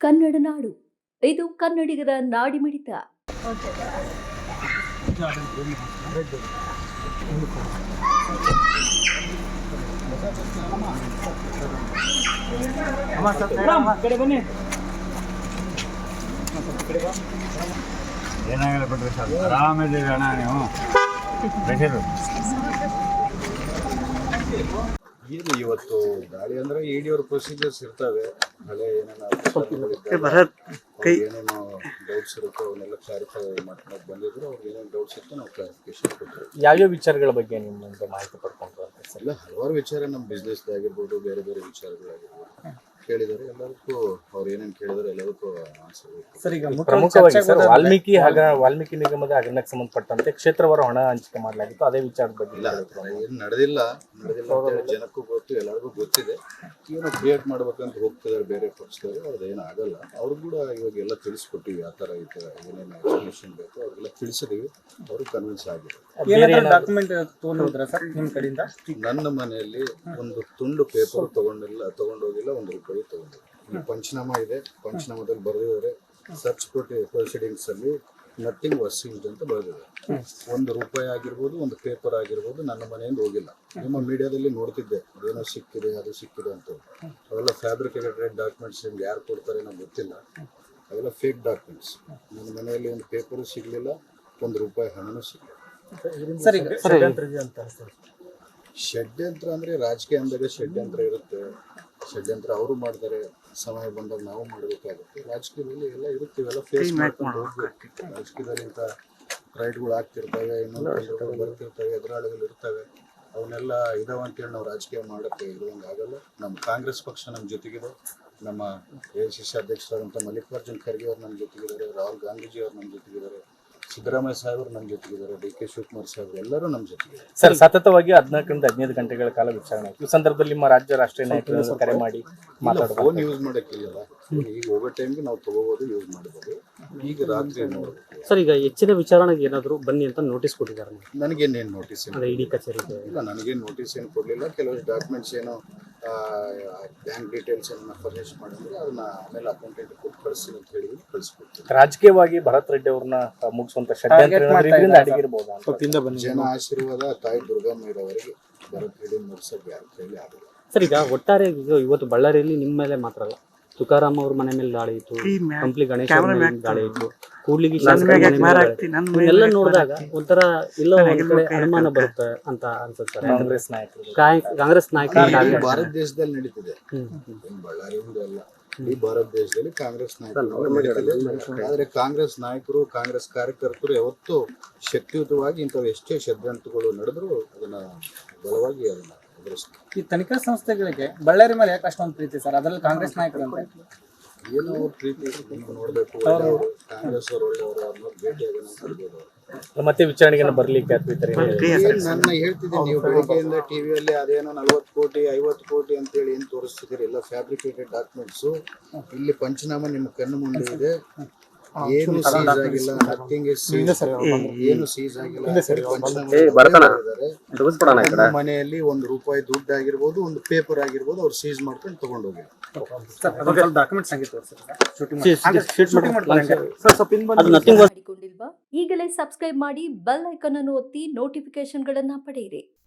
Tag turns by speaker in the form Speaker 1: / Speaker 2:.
Speaker 1: ಕನ್ನಡ ನಾಡು, ಇದು ಕನ್ನಡಿಗರ ನಾಡಿಮಿಡಿತ.
Speaker 2: ಏನಾಗಲ್ಲ ಬಿಡ್ರಿ ಸರ್, ಆರಾಮಿದ್ದೀರಿ ಅಣ್ಣ ನೀವು.
Speaker 3: ಏನು ಇವತ್ತು ಗಾಳಿ ಅಂದ್ರೆ ಇಡಿಯವ್ರ ಪ್ರೊಸೀಜರ್ಸ್ ಇರ್ತವೆ. ಹಳೆ ಏನೇನೋ ಏನೇನೋ ಡೌಟ್ಸ್ ಇರುತ್ತೋ ಅವನ್ನೆಲ್ಲ ಕ್ಲಾರಿಫೈ ಮಾಡ್ಕೊಂಡು ಬಂದಿದ್ರು. ಅವ್ರಿಗೆ ಏನೇನು ಡೌಟ್ಸ್ ಇತ್ತು ನಾವು ಕ್ಲಾರಿಫಿಕೇಶನ್ ಕೊಟ್ಟರು.
Speaker 4: ಯಾವ್ಯಾವ ವಿಚಾರಗಳ ಬಗ್ಗೆ ನಿಮ್ಮಿಂದ ಮಾಹಿತಿ ಪಡ್ಕೊಂಡ್ರು ಅಂತ ಸರ್?
Speaker 3: ಇಲ್ಲ, ಹಲವಾರು ವಿಚಾರ ನಮ್ಮ ಬಿಸ್ನೆಸ್ದಾಗಿರ್ಬೋದು, ಬೇರೆ ಬೇರೆ ವಿಚಾರಗಳಾಗಿರ್ಬೋದು ಕೇಳಿದ್ದಾರೆ. ಎಲ್ಲದಕ್ಕೂ ಅವ್ರು ಏನೇನು ಕೇಳಿದಾರೆ ಎಲ್ಲದಕ್ಕೂ ಆನ್ಸರ್.
Speaker 4: ಸರ್, ಈಗ ಪ್ರಮುಖವಾಗಿ ಸರ್ ವಾಲ್ಮೀಕಿ ನಿಗಮದ ಹಗರಣಕ್ಕೆ ಸಂಬಂಧಪಟ್ಟಂತೆ ಕ್ಷೇತ್ರವಾರು ಹಣ ಹಂಚಿಕೆ ಮಾಡಲಾಗಿತ್ತು. ಅದೇ ವಿಚಾರದ ಬಗ್ಗೆ
Speaker 3: ಇಲ್ಲ, ಏನು ನಡೆದಿಲ್ಲ ಅಂತೇಳಿ ಜನಕ್ಕೂ ಗೊತ್ತು, ಎಲ್ಲರಿಗೂ ಗೊತ್ತಿದೆ. ಏನೋ ಕ್ರಿಯೇಟ್ ಮಾಡ್ಬೇಕಂತ ಹೋಗ್ತಿದ್ದಾರೆ ಬೇರೆ ಪಕ್ಷದವರು. ಅವ್ರದ್ದೇನು ಆಗಲ್ಲ. ಅವ್ರು ಕೂಡ ಇವಾಗ ಎಲ್ಲ ತಿಳಿಸ್ಕೊಟ್ಟಿವಿ, ಆ ಥರ ಈ ಥರ ಏನೇನು ಎಕ್ಸ್ಪ್ಲನೇಷನ್ ಬೇಕು ಅವ್ರಿಗೆಲ್ಲ ತಿಳಿಸಿದೀವಿ. ಅವರು ಕನ್ವಿನ್ಸ್ ಆಗಿದೆ. ನನ್ನ ಮನೆಯಲ್ಲಿ ಒಂದು ತುಂಡು ಪೇಪರ್ ತಗೊಂಡೋಗಿಲ್ಲ, ₹1 ತಗೊಂಡು. ಈ ಪಂಚನಾಮ ಇದೆ, ಪಂಚನಾಮದಲ್ಲಿ ಬರೆದಿದ್ದಾರೆ ಸರ್ಚ್ ಪ್ರೊಸೀಡಿಂಗ್ಸ್ ಅಲ್ಲಿ ನಥಿಂಗ್ ವಾಸ್ ಸೀಸ್ಡ್ ಅಂತ ಬರೆದಿದ್ದಾರೆ. ₹1 ಆಗಿರ್ಬೋದು, ಒಂದು ಪೇಪರ್ ಆಗಿರ್ಬೋದು ನನ್ನ ಮನೆಯಿಂದ ಹೋಗಿಲ್ಲ. ನಿಮ್ಮ ಮೀಡಿಯಾದಲ್ಲಿ ನೋಡ್ತಿದ್ದೆ ಅದೇನೋ ಸಿಕ್ಕಿದೆ, ಅದು ಸಿಕ್ಕಿದೆ ಅಂತ. ಅವೆಲ್ಲ ಫ್ಯಾಬ್ರಿಕೇಟೆಡ್ ಡಾಕ್ಯುಮೆಂಟ್ಸ್. ನಿಮ್ಗೆ ಯಾರು ಕೊಡ್ತಾರೆ ನಮ್ಗೆ ಗೊತ್ತಿಲ್ಲ. ಅವೆಲ್ಲ ಫೇಕ್ ಡಾಕ್ಯುಮೆಂಟ್ಸ್. ನನ್ನ ಮನೆಯಲ್ಲಿ ಒಂದು ಪೇಪರು ಸಿಗಲಿಲ್ಲ, ₹1 ಹಣನೂ ಸಿಗಲಿಲ್ಲ. ಷಡ್ಯಂತ್ರ ಅಂದ್ರೆ ರಾಜಕೀಯ ಅಂದಾಗ ಷಡ್ಯಂತ್ರ ಇರುತ್ತೆ. ಷಡ್ಯಂತ್ರ ಅವರು ಮಾಡ್ತಾರೆ, ಸಮಯ ಬಂದಾಗ ನಾವು ಮಾಡಬೇಕಾಗುತ್ತೆ. ರಾಜಕೀಯದಲ್ಲಿ ಎಲ್ಲ ಇರುತ್ತೆ, ಇವೆಲ್ಲ ಫೇಸ್ ಮಾಡ್ಕೊಂಡು ಹೋಗ್ಬೇಕು. ರಾಜಕೀಯದಲ್ಲಿ ಇಂಥ ರೈಟ್ಗಳು ಆಗ್ತಿರ್ತವೆ, ಇನ್ನೊಂದು ಬರ್ತಿರ್ತವೆ, ಎದುರಾಳಿಗಳು ಇರ್ತವೆ. ಅವನ್ನೆಲ್ಲ ಇದಾವ ಅಂತೇಳಿ ನಾವು ರಾಜಕೀಯ ಮಾಡೋಕ್ಕೆ ಇರುವಂಗೆ ಆಗಲ್ಲ. ನಮ್ಮ ಕಾಂಗ್ರೆಸ್ ಪಕ್ಷ ನಮ್ಮ ಜೊತೆಗಿದೆ. ನಮ್ಮ AICC ಅಧ್ಯಕ್ಷರಾದಂಥ ಮಲ್ಲಿಕಾರ್ಜುನ್ ಖರ್ಗೆ ಅವರು ನಮ್ಮ ಜೊತೆಗಿದ್ದಾರೆ, ರಾಹುಲ್ ಗಾಂಧೀಜಿ ಅವರು ನಮ್ಮ ಜೊತೆಗಿದ್ದಾರೆ, ಸಿದ್ದರಾಮಯ್ಯ ಸಾಹೇಬರು ನಮ್ಮ ಜೊತೆಗಿದ್ದಾರೆ, DK ಶಿವಕುಮಾರ್ ಸಾಹೇಬರು ಎಲ್ಲರೂ ನಮ್ಮ ಜೊತೆಗಿದ್ದಾರೆ.
Speaker 4: ಸರ್, ಸತತವಾಗಿ 14ರಿಂದ 15 ಗಂಟೆಗಳ ಕಾಲ ವಿಚಾರಣೆ. ಈ ಸಂದರ್ಭದಲ್ಲಿ ನಿಮ್ಮ ರಾಜ್ಯ ರಾಷ್ಟ್ರೀಯ ನಾಯಕರು ಕರೆ ಮಾಡಿ ಮಾತಾಡೋದು.
Speaker 3: ಫೋನ್ ಯೂಸ್ ಮಾಡೋಕ್ಕಿಲ್ಲಲ್ಲ. ಈಗ ಹೋಗೋ ಟೈಮ್ಗೆ ನಾವು ತಗೋಬೋದು, ಯೂಸ್ ಮಾಡ್ಬೋದು. ಈಗ ರಾತ್ರಿ ನೋಡಬೇಕು.
Speaker 5: ಸರ್, ಈಗ ಹೆಚ್ಚಿನ ವಿಚಾರಣೆಗೆ ಏನಾದರೂ ಬನ್ನಿ ಅಂತ ನೋಟಿಸ್ ಕೊಟ್ಟಿದ್ದಾರೆ?
Speaker 3: ನನಗೇನೇನು ನೋಟಿಸ್
Speaker 5: ಇಡಿ ಕಚೇರಿಗೆ?
Speaker 3: ಇಲ್ಲ, ನನಗೇನು ನೋಟಿಸ್ ಏನು ಕೊಡಲಿಲ್ಲ. ಕೆಲವಷ್ಟು ಡಾಕ್ಯುಮೆಂಟ್ಸ್ ಏನೋ ಬ್ಯಾಂಕ್ ಡೀಟೇಲ್ಸ್ ಏನನ್ನ ಫರ್ನಿಶ್ ಮಾಡಿದ್ರೆ ಅದನ್ನ ಆಮೇಲೆ ಅಕೌಂಟೆಂಟ್ ಕೊಟ್ಟು ಕಳಿಸಿ ಅಂತ ಹೇಳಿದ್ರು, ಕಳಿಸ್ಕೊಡ್ತೀನಿ.
Speaker 4: ರಾಜಕೀಯವಾಗಿ ಭರತ್ ರೆಡ್ಡಿ ಅವ್ರನ್ನ ಮುಗಿಸುವಂತ ಷಡ್ಯಂತ್ರ ಅಡಗಿರಬಹುದು.
Speaker 3: ಜನ ಆಶೀರ್ವಾದ ತಾಯಿ ದುರ್ಗಮ್ಮರವರಿಗೆ ಭರತ್ ರೆಡ್ಡಿ ಮುಗಿಸೋಕೆ ಯಾರ ಕೈಲಿ ಆಗಲ್ಲ.
Speaker 5: ಸರ್, ಈಗ ಒಟ್ಟಾರೆ ಇವತ್ತು ಬಳ್ಳಾರಿಯಲ್ಲಿ ನಿಮ್ಮ ಮೇಲೆ ಮಾತ್ರ ಅಲ್ಲ, ತುಕಾರಾಮ್ ಅವ್ರ ಮನೆ ಮೇಲೆ ದಾಳಿ ಇತ್ತು, ಕಂಪ್ಲಿ ಗಣೇಶ ದಾಳಿ ಇತ್ತು, ಕೂಡ್ಲಿಗಿ ಎಲ್ಲ ನೋಡಿದಾಗ ಒಂಥರ ಎಲ್ಲೋ ಒಂದ್ ಕಡೆ ಅನುಮಾನ ಬರುತ್ತೆ ಅಂತ ಅನ್ಸುತ್ತೆ. ಕಾಂಗ್ರೆಸ್ ನಾಯಕರು
Speaker 3: ಭಾರತ ದೇಶದಲ್ಲಿ ನಡೀತಿದೆ, ಬಳ್ಳಾರಿ ಅಲ್ಲ, ಈ ಭಾರತ ದೇಶದಲ್ಲಿ ಕಾಂಗ್ರೆಸ್ ನಾಯಕರು. ಆದ್ರೆ ಕಾಂಗ್ರೆಸ್ ನಾಯಕರು, ಕಾಂಗ್ರೆಸ್ ಕಾರ್ಯಕರ್ತರು ಯಾವತ್ತೂ ಶಕ್ತಿಯುತವಾಗಿ ಇಂಥವು ಎಷ್ಟೇ ಷಡ್ಯಂತ್ರಗಳು ನಡೆದ್ರು ಅದನ್ನ ಬಲವಾಗಿ ಅದನ್ನ ಎದುರಿಸ್ತಾರೆ.
Speaker 6: ಈ ತನಿಖಾ ಸಂಸ್ಥೆಗಳಿಗೆ ಬಳ್ಳಾರಿ ಮೇಲೆ ಯಾಕೆ ಅಷ್ಟೊಂದು ಪ್ರೀತಿ ಸರ್? ಅದರಲ್ಲಿ ಕಾಂಗ್ರೆಸ್ ನಾಯಕರು ಅಂತ
Speaker 3: ಏನೋ ಪ್ರೀತಿ ನೋಡ್ಬೇಕು. ಕಾಂಗ್ರೆಸ್ ಅವರು ಒಳ್ಳೆಯವರು, ಅವ್ರನ್ನ ಭೇಟಿಯಾಗೋದು.
Speaker 4: ಮತ್ತೆ ವಿಚಾರಣೆಗೆ ಬರ್ಲಿಕ್ಕೆ
Speaker 3: ನನ್ನ ಹೇಳ್ತಿದ್ದೀನಿ, ನೀವು ಬೆಳಿಗ್ಗೆಯಿಂದ ಟಿವಿಯಲ್ಲಿ ಅದೇನೋ 40 ಕೋಟಿ 50 ಕೋಟಿ ಅಂತೇಳಿ ಏನ್ ತೋರಿಸ್ತಿದ್ದೀರಿ? ಎಲ್ಲ ಫ್ಯಾಬ್ರಿಕೇಟೆಡ್ ಡಾಕ್ಯುಮೆಂಟ್ಸು. ಇಲ್ಲಿ ಪಂಚನಾಮ ನಿಮ್ಮ ಕಣ್ಣು ಮುಂದೆ ಇದೆ. ಏನು ಸೀಸ್ ಆಗಿಲ್ಲ, ನಥಿಂಗ್ ಇಸ್ ಸೀಸ್, ಏನು ಸೀಸ್ ಆಗಿಲ್ಲ. ಮನೆಯಲ್ಲಿ ₹1 ದುಡ್ಡು ಆಗಿರ್ಬೋದು, ಒಂದು ಪೇಪರ್ ಆಗಿರ್ಬೋದು, ಅವ್ರು ಸೀಸ್ ಮಾಡ್ಕೊಂಡು ತಗೊಂಡು ಹೋಗಿ.
Speaker 1: ಈಗಲೇ ಸಬ್ಸ್ಕ್ರೈಬ್ ಮಾಡಿ, ಬೆಲ್ ಐಕಾನ್ ಅನ್ನು ಒತ್ತಿ ನೋಟಿಫಿಕೇಶನ್ಗಳನ್ನ ಪಡೆಯಿರಿ.